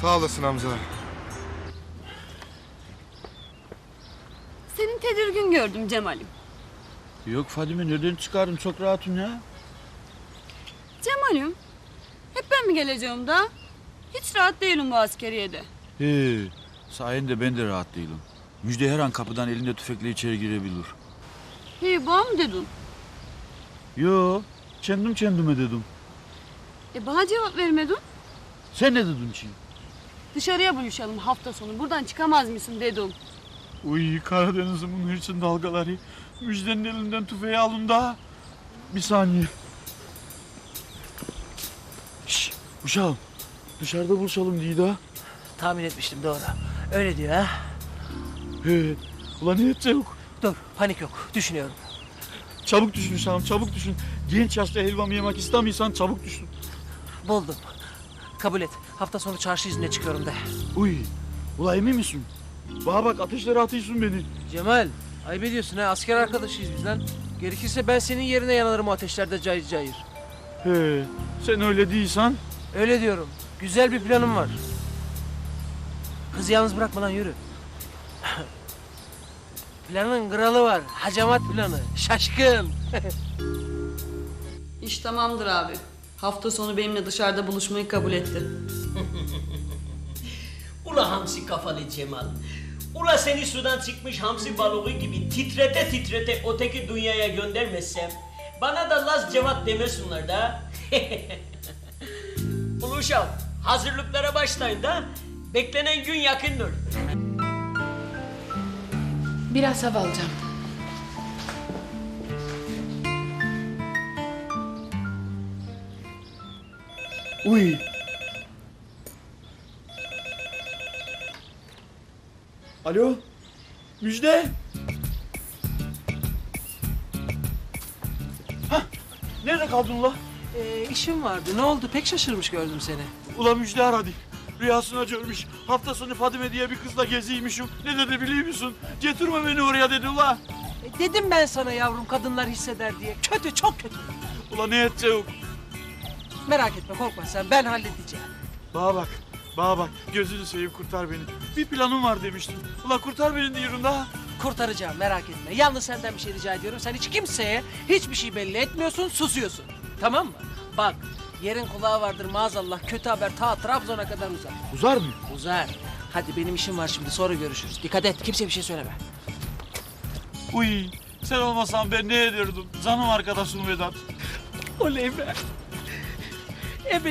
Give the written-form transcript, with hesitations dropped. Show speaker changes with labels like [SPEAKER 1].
[SPEAKER 1] Sağ olasın Hamza.
[SPEAKER 2] Senin tedirgin gördüm Cemal'im.
[SPEAKER 3] Yok Fadime, nereden çıkardım? Çok rahatım ya.
[SPEAKER 2] Cemal'im, hep ben mi geleceğim da? Hiç rahat değilim bu askeriyede.
[SPEAKER 3] He, sayende ben de rahat değilim. Müjde her an kapıdan elinde tüfekle içeri girebilir.
[SPEAKER 2] Hey, bana mı dedin?
[SPEAKER 3] Yo, kendim kendime dedim.
[SPEAKER 2] Bana cevap vermedin.
[SPEAKER 3] Sen ne dedin ki?
[SPEAKER 2] Dışarıya buluşalım hafta sonu. Buradan çıkamaz mısın dedim.
[SPEAKER 3] Uy, Karadeniz'imin hırçın dalgaları. Müjdenin elinden tüfeği alın da. Bir saniye. Şşş, uşağım. Dışarıda buluşalım diye da.
[SPEAKER 4] Tahmin etmiştim, doğru. Öyle diyor ha.
[SPEAKER 3] He, ulan ne edecek?
[SPEAKER 4] Dur, panik yok. Düşünüyorum.
[SPEAKER 3] Çabuk düşün uşağım, çabuk düşün. Genç yaşta helvamı yemek istemiyorsan çabuk düşün.
[SPEAKER 4] Buldum. Kabul et. Hafta sonu çarşı izine çıkıyorum de.
[SPEAKER 3] Uy, ula emin misin? Bana bak, ateşlere atıyorsun beni.
[SPEAKER 4] Cemal, ayıp ediyorsun ha. Asker arkadaşıyız biz lan. Gerekirse ben senin yerine yanarım o ateşlerde cayır cayır.
[SPEAKER 3] He, sen öyle değilsen.
[SPEAKER 4] Öyle diyorum. Güzel bir planım var. Kızı yalnız bırakma lan, yürü. Planın kralı var. Hacamat planı. Şaşkın.
[SPEAKER 2] İş tamamdır abi. Hafta sonu benimle dışarıda buluşmayı kabul etti.
[SPEAKER 5] Ula hamsi kafalı Cemal. Ula seni sudan çıkmış hamsi balığı gibi titrete titrete öteki dünyaya göndermezsem bana da Laz Cevat demesinler da. Ula uşağım, hazırlıklara başlayın da beklenen gün yakındır.
[SPEAKER 6] Biraz hava alacağım.
[SPEAKER 3] Uy. Alo, Müjde. Hah, nerede kaldın ula?
[SPEAKER 4] İşim vardı. Ne oldu? Pek şaşırmış gördüm seni.
[SPEAKER 3] Ula Müjde aradı. Rüyasına görmüş. Hafta sonu Fadime diye bir kızla geziymişim. Ne dedi biliyor musun? Getirme beni oraya dedi ula.
[SPEAKER 4] Dedim ben sana yavrum, kadınlar hisseder diye. Kötü, çok kötü.
[SPEAKER 3] Ula ne edecek?
[SPEAKER 4] Merak etme, korkma sen. Ben halledeceğim.
[SPEAKER 3] Bana bak, bana bak. Gözünü seveyim, kurtar beni. Bir planım var demiştim. Ula kurtar beni diyorum da.
[SPEAKER 4] Kurtaracağım, merak etme. Yalnız senden bir şey rica ediyorum. Sen hiç kimseye hiçbir şey belli etmiyorsun, susuyorsun. Tamam mı? Bak, yerin kulağı vardır maazallah. Kötü haber ta Trabzon'a kadar uzar.
[SPEAKER 3] Uzar mı?
[SPEAKER 4] Uzar. Hadi benim işim var şimdi, sonra görüşürüz. Dikkat et, kimseye bir şey söyleme.
[SPEAKER 3] Uy, sen olmasan ben ne ederdim? Canım arkadaşım Vedat.
[SPEAKER 4] Oley be.